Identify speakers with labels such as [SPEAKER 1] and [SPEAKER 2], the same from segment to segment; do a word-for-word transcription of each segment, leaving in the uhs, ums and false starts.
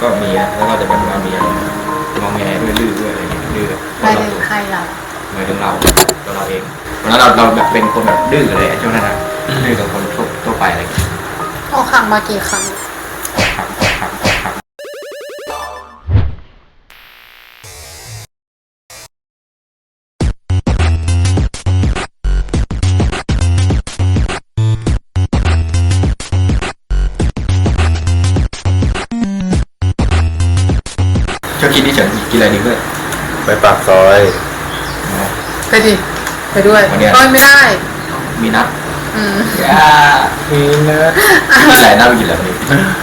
[SPEAKER 1] ก็มีนะแล้วก็จะแบบว่ามีอะไรงอแงด้วยดื้อด้วยอะไรอย่างเงี้ยดื้อ
[SPEAKER 2] ไปถึงใครเรา
[SPEAKER 1] หมายถึงเราตัวเราเองเพราะนั้นเราเราแบบเป็นคนแบบดื้อเลยช่วงนั้นนะดื้อกับคนทั่วทั่วไปอะไรอย่างเงี้ย
[SPEAKER 2] ออกครั้งมากี่ครั้ง
[SPEAKER 1] ครับครับครับชอบกินที่เฉินกินอะไรดีเพื่อน
[SPEAKER 3] ไปปากซอย
[SPEAKER 2] ไปดิไปด้วย
[SPEAKER 1] วันเนี้ย
[SPEAKER 2] โอ้ยไม่ได้
[SPEAKER 1] มีนัด
[SPEAKER 2] อืม
[SPEAKER 1] ย่า
[SPEAKER 3] มีนะ
[SPEAKER 1] กินอะไรน่าไปกินอะไรวันนี้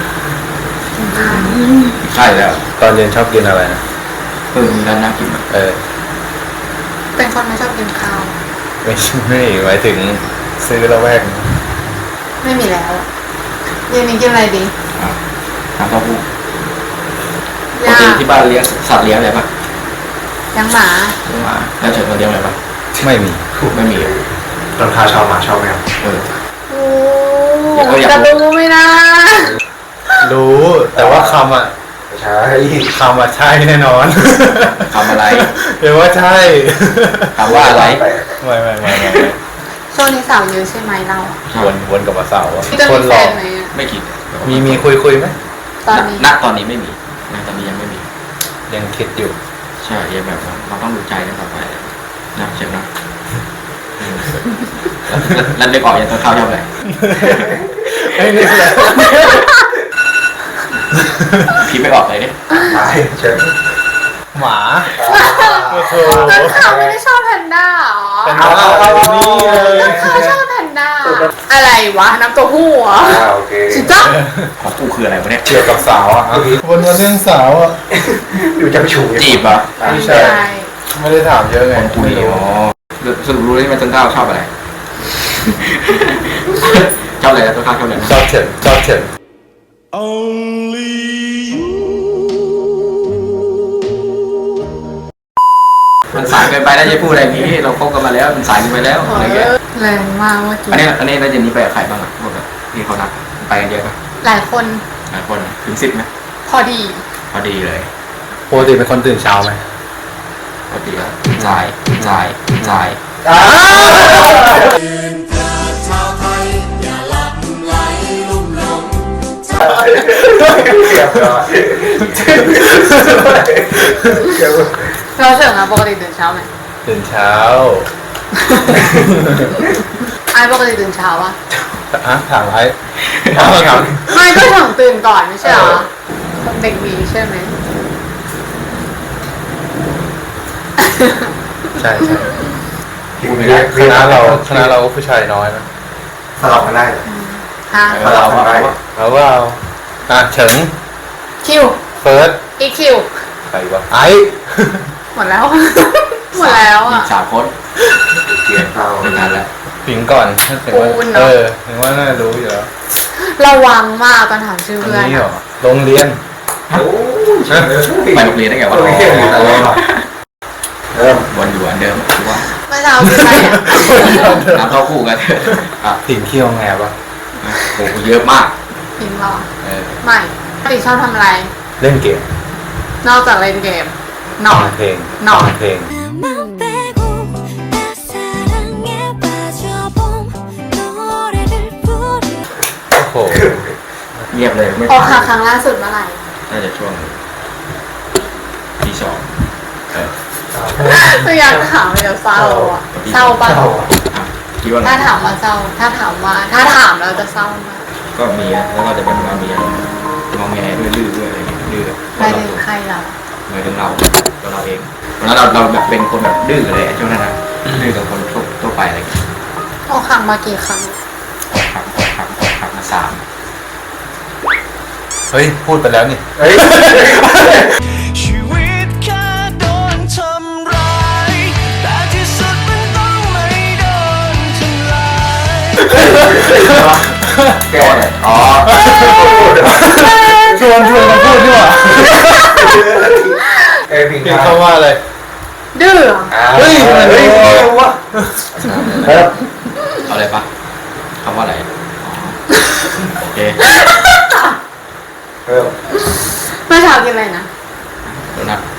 [SPEAKER 1] ใช่แล้ว
[SPEAKER 3] ตอนเย็นชอบกินอะไรนะ
[SPEAKER 1] เออมีร้านน่ากินอ่ะ
[SPEAKER 3] เออ
[SPEAKER 2] เป็นคนไม่ชอบกินข้าว
[SPEAKER 3] ไม่ใช่ไม่หมายถึงซื้อแล้วแวก
[SPEAKER 2] ไม่มีแล้วเย็นนี้กินอะไรดี
[SPEAKER 1] อ่ะน้ำเต้าหู้ปก
[SPEAKER 2] ย่า
[SPEAKER 1] ติที่บ้านเลี้ยงสัตว์เลี้ยงอะไรปะ
[SPEAKER 2] ยังหมา
[SPEAKER 1] เลี้ยงหมาแล้วเฉินมาเลี้ยงอะไรปะ
[SPEAKER 3] ไม่มี
[SPEAKER 1] ไม่มีอ่ะ
[SPEAKER 4] ต้นข้าวชอบหมาชอบแมว
[SPEAKER 1] เออ
[SPEAKER 2] โอ้
[SPEAKER 1] อยากรู้อยากรู้
[SPEAKER 2] จะรู้ไหมนะ
[SPEAKER 3] รู้แต่ว่าคำอ่ะ
[SPEAKER 4] ไม่ใช่
[SPEAKER 3] คำอ่ะใช่แน่นอน
[SPEAKER 1] ทำอะไร
[SPEAKER 3] เดี๋ยวว่าใช่
[SPEAKER 1] ถามว่าอะไร
[SPEAKER 3] ไม่ไม่ไม่ไม่
[SPEAKER 2] ช่วงนี้สาวเยอะใช่ไหมเรา
[SPEAKER 3] วนวนกับมาสาวอะ
[SPEAKER 2] พี่จะ
[SPEAKER 3] ค
[SPEAKER 2] มี
[SPEAKER 3] นห
[SPEAKER 2] แฟ
[SPEAKER 3] ลอก
[SPEAKER 2] นไหมอะ
[SPEAKER 1] ไม่คิด
[SPEAKER 3] มีมีคุยคุยไหม
[SPEAKER 2] ตอนนี้
[SPEAKER 1] ณตอนนี้ไม่มีณตอนนี้ยังไม่มี
[SPEAKER 3] ยังคิดอยู่
[SPEAKER 1] ใช่ยังแบบว่าเราต้องดูใจกันต่อไปนะเฉินนะเออแล้วเด็กออกยังตัวข้าวชอบอะไร
[SPEAKER 3] ไอ้นี่แหละ
[SPEAKER 1] พี่ไม่ออกเลยเนี่ย
[SPEAKER 4] ตายเชิญ
[SPEAKER 3] หมาโอ้โห
[SPEAKER 2] ต้นขาวไม่ได้ชอบแพนด้าเหรอ
[SPEAKER 3] เป็นว่านี่เลย
[SPEAKER 2] ต้นขาวชอบแพนด้าอะไรวะน้ำเตัวหู้เหรอ
[SPEAKER 4] อ่าโอเค
[SPEAKER 2] จิจ๊ะ
[SPEAKER 1] ของกูคืออะไรวะเนี่ย
[SPEAKER 3] เกี่ยวกับสาวอ่ะวนมาเรื่องสาวอ่ะ
[SPEAKER 4] อยู่จะไปชู
[SPEAKER 1] จีบเหรอ
[SPEAKER 3] ไม่ใช่ ไม่ได้ถามเยอะไง
[SPEAKER 1] คนคุย
[SPEAKER 3] ไม่รู้
[SPEAKER 1] อ๋อสรุปรู้ได้ไหมต้นข้าวชอบอะไร ชอบอะไรนะต้นข้าวชอบอะไรนะ
[SPEAKER 3] ชอบเฉินชอบเฉิน
[SPEAKER 1] มันสายเกินไปแล้วจะพูดอะไรอย่างนี้เราคบกันมาแล้วมันสายเกินไปแล้วอะไรเงี้ย
[SPEAKER 2] แรงมากเมื่อกี้
[SPEAKER 1] อันนี้อันนี้แล้วเจนนี้ไปกับใครบ้างอ่ะพวกแบบที่เขานัดไปกันเยอะปะ
[SPEAKER 2] หลายคน
[SPEAKER 1] หลายคนถึงสิบไหม
[SPEAKER 2] พอดี
[SPEAKER 1] พอดีเลย
[SPEAKER 3] ปกติเป็นคนตื่นเช้าไหม
[SPEAKER 1] ปกติแล้วสายสายสาย
[SPEAKER 4] อ่า เสียบก่อนเสียบ
[SPEAKER 2] เราเฉิงอะปกติตื่นเช้าไหม
[SPEAKER 3] ตื่นเช้า
[SPEAKER 2] ไอ้ปกติตื่นเช้าปะ
[SPEAKER 3] อะถามไอ้ถามถาม
[SPEAKER 2] ไม่ก็เฉิงตื่นก่อนไม่ใช่เหรอเด็กดีใช่ไหม
[SPEAKER 3] ใช่ใช่
[SPEAKER 1] พูดไม่ได้
[SPEAKER 3] คณะเราคณะเราก็ผู้ชายน้อยนะ
[SPEAKER 4] สลับกันได้
[SPEAKER 2] ฮะ
[SPEAKER 1] เออเราว่า
[SPEAKER 3] แล้วว่าเอาอ่ะเฉิง
[SPEAKER 2] คิว
[SPEAKER 3] เฟิร์ส
[SPEAKER 2] อีกคิว
[SPEAKER 3] ใครวะไอ้
[SPEAKER 2] หมดแล้ว หมดแล้ว
[SPEAKER 1] อี
[SPEAKER 2] อ่ะ
[SPEAKER 1] กสามคน
[SPEAKER 4] เกียร์เข้า
[SPEAKER 1] ไม่ทันแล้ว
[SPEAKER 3] ผิงก่อนถึงว่า
[SPEAKER 2] ปูนเนอะ
[SPEAKER 3] เออถึงว่าน่ารู้อยู่แล้ว
[SPEAKER 2] ระวังมากตอนถามชื่อ
[SPEAKER 3] อัน
[SPEAKER 2] เพื่อน
[SPEAKER 3] นี้เหร
[SPEAKER 2] อะ
[SPEAKER 3] อโรงเรียน
[SPEAKER 4] โอ้ย
[SPEAKER 1] ไปโรงเรียนได้ไงวะ
[SPEAKER 4] โรงเรียนอยู่ตลอดเริ่ม
[SPEAKER 1] วันอยู่วันเดิมถือว่า
[SPEAKER 2] เมื่อเช้าคือใครอ่ะ
[SPEAKER 1] น้ำเต้าหู้กันอ่ะ
[SPEAKER 3] ผิงเขี้ยวแงปะ
[SPEAKER 1] โอ้โหเยอะมาก
[SPEAKER 2] พิงเหรอ
[SPEAKER 1] เออ
[SPEAKER 2] ไม่ปกติชอบทำอะไร
[SPEAKER 3] เล่นเกม
[SPEAKER 2] นอกจากเล่นเกม นอน
[SPEAKER 3] ฟังเพลง
[SPEAKER 2] นอน
[SPEAKER 3] ฟังเพลง
[SPEAKER 5] 맘 빼고 나 사랑에 빠져본 노래를 부르
[SPEAKER 3] โอ้โห
[SPEAKER 1] เงียบเลยไม่
[SPEAKER 2] ออก
[SPEAKER 1] ฟั
[SPEAKER 2] หาง ครั้งล่าสุดเมื่อไหร่
[SPEAKER 1] น่าจะช่วงที่สองเออ
[SPEAKER 2] ตัวอยากถามเลยเศร้าอ่ะเศร้าปะ
[SPEAKER 4] เข้า
[SPEAKER 1] อ่ะคิดว่าไง
[SPEAKER 2] ถ้าถามว่าเศร้า ถ้าถามว่า ถ้าถามเราจะเศร้ามาก
[SPEAKER 1] ก็มีนะแล้วก็จะแบบว่ามีอะไรงอแงด้วยดื้อด้วยอะไรอย่างเงี้ยดื้อ
[SPEAKER 2] ไปถึงใครเรา
[SPEAKER 1] หมายถึงเราตัวเราเองเพราะนั้นเราเราแบบเป็นคนแบบดื้อเลยช่วงนั้นนะดื้อกับคนทั่วทั่วไปอะไรอย่างเงี้ย
[SPEAKER 2] ออกครั้งมากี่ครั้ง
[SPEAKER 1] ครั้งครั้งครั้งมาสาม
[SPEAKER 3] เฮ้ย พูดไปแล้วนี่
[SPEAKER 4] เฮ้ย
[SPEAKER 6] ชีวิตแค่โดนทำร้ายแต่ที่สุดมันต้องไม่โดนทำลาย
[SPEAKER 4] แกเนี่ยอ๋อ
[SPEAKER 3] ชวนชวนมาพูดดีกว่า
[SPEAKER 4] เอ้ยพิง
[SPEAKER 3] ผิง
[SPEAKER 4] เข้า
[SPEAKER 3] เขาว่าอะไร
[SPEAKER 2] ดื้อ
[SPEAKER 3] เฮ้ย
[SPEAKER 4] เฮ้ยรู้วะเริ่ม
[SPEAKER 1] เอาอะไรปะคำว่าอะไรอ๋อโอเค
[SPEAKER 4] เริ่ม
[SPEAKER 2] เมื่อเช้าาวกินอะไรนะ
[SPEAKER 1] โดนัท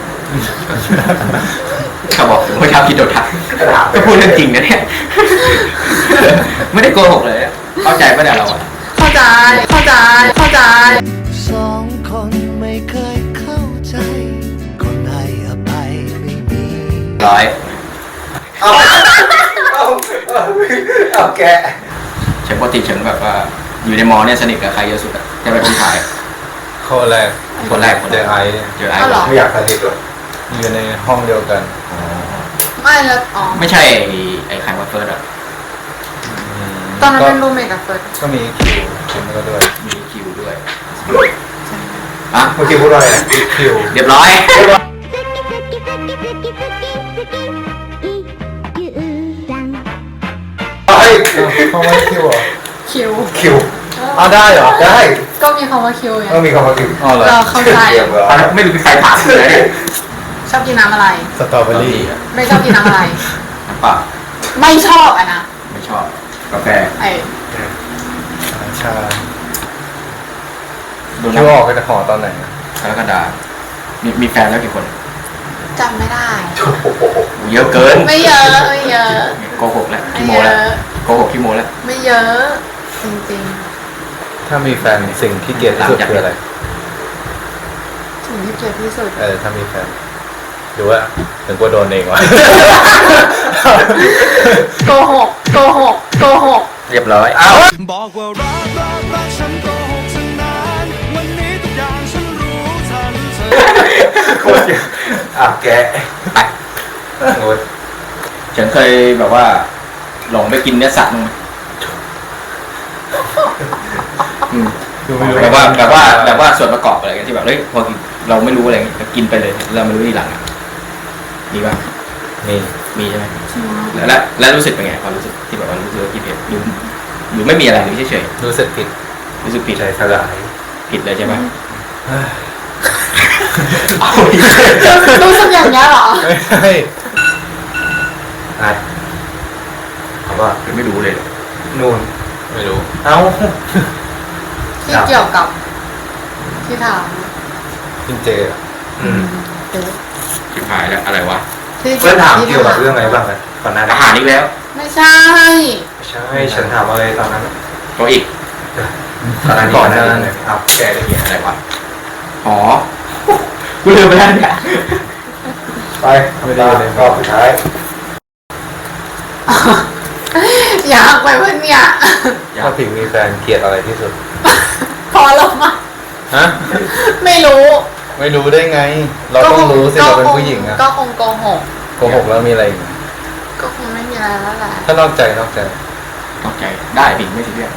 [SPEAKER 1] เขาบอกเมื่อเช้ากินโดนัทก็พูดเรื่องจริงนะเนี่ยไม่ได้โกหกเลยอะเข้าใจปะเนี่ยเราอะ
[SPEAKER 2] เข้าใจเข้าใจเข้าใจ
[SPEAKER 6] สองคนไม่เคยเข้าใจ คนให้อภัยไม่มี
[SPEAKER 1] ร้อย
[SPEAKER 4] เอาเอาเอาเอาแกะ
[SPEAKER 1] เฉิงปกติเฉิงแบบว่าอยู่ในมอเนี่ยสนิทกับใครเยอะสุดอะจะเป็นคนขาย
[SPEAKER 3] ข้อแรก
[SPEAKER 1] คนแรกคน
[SPEAKER 3] เจ
[SPEAKER 1] แร
[SPEAKER 3] อก ไอซ์เนี่ย
[SPEAKER 1] เจอไอ้
[SPEAKER 2] เอาเหรอ
[SPEAKER 4] ไม่อยากสนิทเลย
[SPEAKER 3] อยู่ในห้องเดียวกัน
[SPEAKER 2] ไม่แล้วอ๋อ
[SPEAKER 1] ไม่ใช่ไอ้ไอ้ใครว่าเฟิร์สอะ
[SPEAKER 2] ตอนนั้น
[SPEAKER 3] ก็
[SPEAKER 2] เป็นรูมเมทกับเฟิร์ส
[SPEAKER 3] ก็มีคิวคิวก็ด้วย
[SPEAKER 1] มีคิวด้วยอะ
[SPEAKER 4] เมื่อกี้พูดว่าอะไรนะ
[SPEAKER 3] คิว
[SPEAKER 1] เรียบร้อย
[SPEAKER 4] เฮ้ย
[SPEAKER 3] ห้องไว้คิวเหรอ
[SPEAKER 2] คิว
[SPEAKER 4] คิว
[SPEAKER 3] อ้าวได้เหรอ
[SPEAKER 4] ได้
[SPEAKER 2] ก็มีคำว่าคิวไง
[SPEAKER 4] ต้องมีคำว่าคิว
[SPEAKER 3] อ๋อเหรอ
[SPEAKER 2] เราเข้าใจ
[SPEAKER 4] เกี่ยวกับ
[SPEAKER 1] อันนั้นไม่รู้เป็นใครถามเลยเนี่ย
[SPEAKER 2] ชอบกินน้ำอะไร
[SPEAKER 3] สตรอเบอรี่
[SPEAKER 2] ไม่ชอบกินน้ำอะไร
[SPEAKER 1] น้ำเปล่า
[SPEAKER 2] ไม่ชอบอ่ะนะ
[SPEAKER 1] ไม่ชอบกาแฟ
[SPEAKER 2] ไอ้
[SPEAKER 3] ชา
[SPEAKER 1] โด
[SPEAKER 3] คิ
[SPEAKER 1] นั
[SPEAKER 3] ว
[SPEAKER 1] ท
[SPEAKER 3] ออกไปจากหอตอนไหนนะ
[SPEAKER 1] กรกฎามีมีแฟนแล้วกี่คน
[SPEAKER 2] จำไม่ได้
[SPEAKER 4] โอ้โห
[SPEAKER 1] เยอะเกิน
[SPEAKER 2] ไม่เยอะไม่เยอะ
[SPEAKER 1] โกหกแล้ว
[SPEAKER 2] ไม่
[SPEAKER 1] ขี้โม
[SPEAKER 2] เย
[SPEAKER 1] แล้ว
[SPEAKER 2] อะ
[SPEAKER 1] โกหกขี้โมแล้ว
[SPEAKER 2] ไม่เยอะจริง
[SPEAKER 3] ถ้ามีแฟนสิ่งที่เกลียดที่สุดคืออะไร
[SPEAKER 2] ๆสิ่งที่เกลียดที่สุด
[SPEAKER 3] เออถ้ามีแฟนหรือว่าถึงกลัวโดนเองวะ
[SPEAKER 2] โกหกโกหกโกหก
[SPEAKER 1] เรียบร้อย
[SPEAKER 6] บอกว่ารักรักรักฉันโกหกฉันนานวันนี้ทุกอย่างฉันรู้ทันเธอ
[SPEAKER 4] โคตรเยอะอ่ะแกะโอ้ย
[SPEAKER 1] ฉันเคยแบบว่า หลงไปกินเนื้อสัตว์มั้งไหมอืม
[SPEAKER 3] คือไม่รู้
[SPEAKER 1] แบบว่าแบบว่าแบบว่าส่วนประกอบอะไรกันที่แบบเฮ้ยพอกินเราไม่รู้อะไรเงี้ยกินไปเลยเราไม่รู้ทีหลังอ่ะมีป่ะ
[SPEAKER 3] มี
[SPEAKER 1] มีใช่ไหมแล้วแล้วแล้วรู้สึกเป็นไงความรู้สึกที่แบบว่ารู้สึกว่ากินเผ็ดหรือหรือไม่มีอะไรหรือเฉย
[SPEAKER 3] รู้สึกผิด
[SPEAKER 1] ๆรู้สึกผิด
[SPEAKER 4] ใจสลาย
[SPEAKER 1] ผิดเลยใช่ไหม
[SPEAKER 3] เฮ้ย
[SPEAKER 1] เอาดิ
[SPEAKER 2] รู้สึกอย่างนี้ยเหรอ
[SPEAKER 3] ไม่ใช่
[SPEAKER 4] อ่ะเอาว่า
[SPEAKER 1] ไม่รู้เลย
[SPEAKER 4] นู่น
[SPEAKER 3] ไม่รู้
[SPEAKER 4] เอ้า
[SPEAKER 2] ที่เกี่ยวกับ ที่ถาม
[SPEAKER 3] กินเจอะ
[SPEAKER 4] อืม
[SPEAKER 2] เดี๋ยว
[SPEAKER 1] ชิบหายแล้วอะไรวะ
[SPEAKER 2] ที่
[SPEAKER 4] เพื่อนถาม
[SPEAKER 2] ที่
[SPEAKER 4] เกี่ยวกับเรื่องอะไรบ้างนะตอนนั้น
[SPEAKER 1] อาหารอีกแล้ว
[SPEAKER 2] ไม่ใช่
[SPEAKER 4] ใช่ฉันถามอะไรตอนนั้น
[SPEAKER 1] ก็อีก
[SPEAKER 4] ตอนนั้น
[SPEAKER 3] ก่
[SPEAKER 4] ก่
[SPEAKER 3] อ
[SPEAKER 4] อน น
[SPEAKER 3] ห
[SPEAKER 4] ห
[SPEAKER 3] น้า
[SPEAKER 4] นั้
[SPEAKER 3] นั้น
[SPEAKER 4] นเอาแกะได้เหี้ย
[SPEAKER 1] อะไรวะอ๋อกูลืมไปแล้วเนี่ย
[SPEAKER 4] ไปไม่ได้เลยรอบสุดท้าย
[SPEAKER 2] อยากไปเพื่อนเนี่ย
[SPEAKER 3] ถ้าผิงมีแฟนเกลียดอะไรที่สุด
[SPEAKER 2] พอแล้วมา
[SPEAKER 3] ฮะ
[SPEAKER 2] ไม่รู้
[SPEAKER 3] ไม่รู้ได้ไง เราต้องรู้สิเราเป็นผู้หญิงอะ
[SPEAKER 2] ก็คงโกหก
[SPEAKER 3] โกหกแล้วมีอะไรอีก
[SPEAKER 2] ก็คงไม่มีอะไรแล้วแหละ
[SPEAKER 3] ถ้านอกใจนอกใจ
[SPEAKER 1] ตกใจได้ผิดไม่ใช่เรื่อง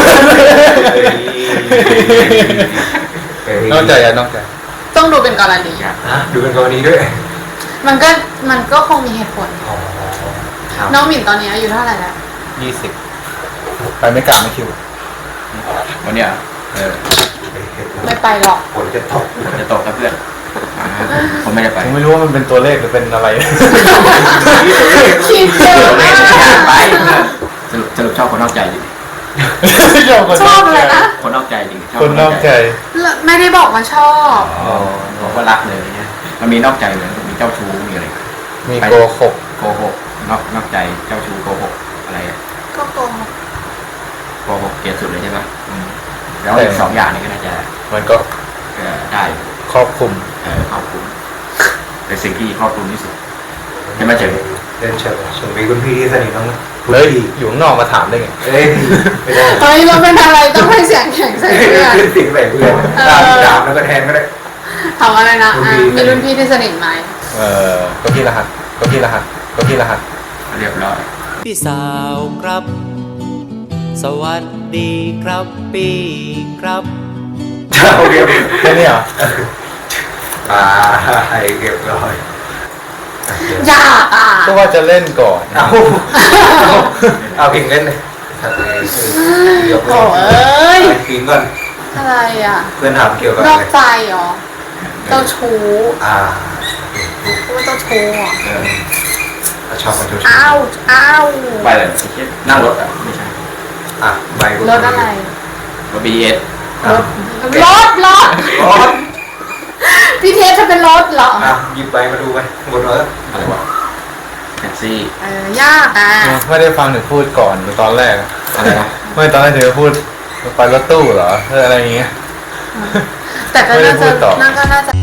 [SPEAKER 3] นอกใจอะนอกใจ
[SPEAKER 2] ต้องดูเป็นกรณี
[SPEAKER 1] อยาก
[SPEAKER 4] ฮะดูเป็นกรณีด้วย
[SPEAKER 2] มันก็มันก็คงมีเหตุผล
[SPEAKER 4] อ๋อครับ
[SPEAKER 2] น้องหมิ่นตอนนี้อายุเท่าไหร่แล้ว
[SPEAKER 3] ยี่สิบไปไม่กลับไม่คิว
[SPEAKER 1] วันเนี้ยเออ
[SPEAKER 2] ไม่ไปหรอก
[SPEAKER 4] ฝนจะตก
[SPEAKER 1] ผมจะตกกับเพื่อนอ่าผมไม่ได้ไป
[SPEAKER 3] ผมไม่รู้ว่ามันเป็นตัวเลขหรือเป็นอะไร
[SPEAKER 2] คิดเยอะมาก
[SPEAKER 1] ไปสรุปสรุปชอบคนนอกใจจริง
[SPEAKER 2] ชอบอะไรนะ
[SPEAKER 1] คนนอกใจจริงชบ
[SPEAKER 3] คนนอกใจ
[SPEAKER 2] ไม่ได้บอกว่าชอบ
[SPEAKER 1] อ๋อบอกว่ารักเลยเนี่ยมันมีนอกใจเหมือนมีเจ้าชู้มีอะไร
[SPEAKER 3] มีโกหก
[SPEAKER 1] โกหกนอกนอกใจเจ้าชู้โกหกอะไรอะ
[SPEAKER 2] ก็โกหก
[SPEAKER 1] โกหกเกลียดสุดเลยใช่ปะอืมแล้วอีกสองอย่างนี้ก็น่าจะ
[SPEAKER 3] มันก็
[SPEAKER 1] เอ่อได้
[SPEAKER 3] ครอบคลุม
[SPEAKER 1] เอ่อครอบคลุมเป็นสิ่งที่ครอบคลุมที่สุดใช่ไหมเจ๋ง
[SPEAKER 4] เดินเฉิงเฉิงมีคุณพี่ที่สนิทบ้างไหมคุณ
[SPEAKER 3] เฮ้ย
[SPEAKER 4] พี่
[SPEAKER 3] อยู่ข้างนอกมาถามได้ไง
[SPEAKER 4] เอ้ยไม่ได้
[SPEAKER 2] เฮ้ยเราเป็นอะไรต้องให้เสียงแข็งใส่เพื่อน
[SPEAKER 4] ขึ้นสิ่งใส่เพื่อนตามดาบแล้วก็แทนก็ได้
[SPEAKER 2] ถามอะไรนะ
[SPEAKER 4] รุ่น
[SPEAKER 2] อ่ะ
[SPEAKER 4] พี่
[SPEAKER 2] มีรุ่นพี่ที่สนิทไหม
[SPEAKER 3] เออก็พี่รหัสก็พี่รหัสก็พี่รหัส
[SPEAKER 1] เรียบร้อย
[SPEAKER 7] พี่สาวครับ สวัสดีครับพี่ครับ
[SPEAKER 4] เจ้าเรียบ
[SPEAKER 3] แค่นี้เหรอ
[SPEAKER 4] ตาให้เรียบร้อย
[SPEAKER 2] ยากอ่ะ
[SPEAKER 3] ก็ว่าจะเล่นก่อน
[SPEAKER 4] เอาเอาเอาพิงเล่นเลยเดี๋ยว
[SPEAKER 2] โอ้เอ้ย
[SPEAKER 4] พิงก่อน
[SPEAKER 2] อะไรอ่ะ
[SPEAKER 4] เพื่อนถามเกี่ยวกับ
[SPEAKER 2] น
[SPEAKER 4] อะ
[SPEAKER 2] อก
[SPEAKER 4] ไร
[SPEAKER 2] ใจเหรอเจ้าชู้
[SPEAKER 4] อ่า
[SPEAKER 2] พูดว่าเจ้าชู้เหรอ
[SPEAKER 1] เออ
[SPEAKER 4] ชอบมันชู
[SPEAKER 2] อ้าวอ้าว
[SPEAKER 1] ไปเลยไอ้เหี้ยนั่งรถอ่ะไม่ใช่
[SPEAKER 4] อ่ะใบ
[SPEAKER 2] รถอะไร
[SPEAKER 1] รถบีเอส
[SPEAKER 2] รถรถรถ
[SPEAKER 4] รถ
[SPEAKER 2] จะเป็นรถเหรอ
[SPEAKER 4] อ่ะหยิบไปมาดูไปบนรถ
[SPEAKER 1] อะไรวะแท็กซี่
[SPEAKER 2] เออยากอ่ะ
[SPEAKER 3] ไม่ได้ฟังหนูพูดก่อนตอนแรก
[SPEAKER 1] อะไรนะ
[SPEAKER 3] ไม่ตอนแรกเธอพูดไปรถตู้เหรอเอออะไรอย่างเงี้ย
[SPEAKER 2] แต่ก็
[SPEAKER 3] ไม่ได้
[SPEAKER 2] น่า
[SPEAKER 3] พู
[SPEAKER 2] จะ
[SPEAKER 3] ดต่อ
[SPEAKER 2] น่าก็น่าจะ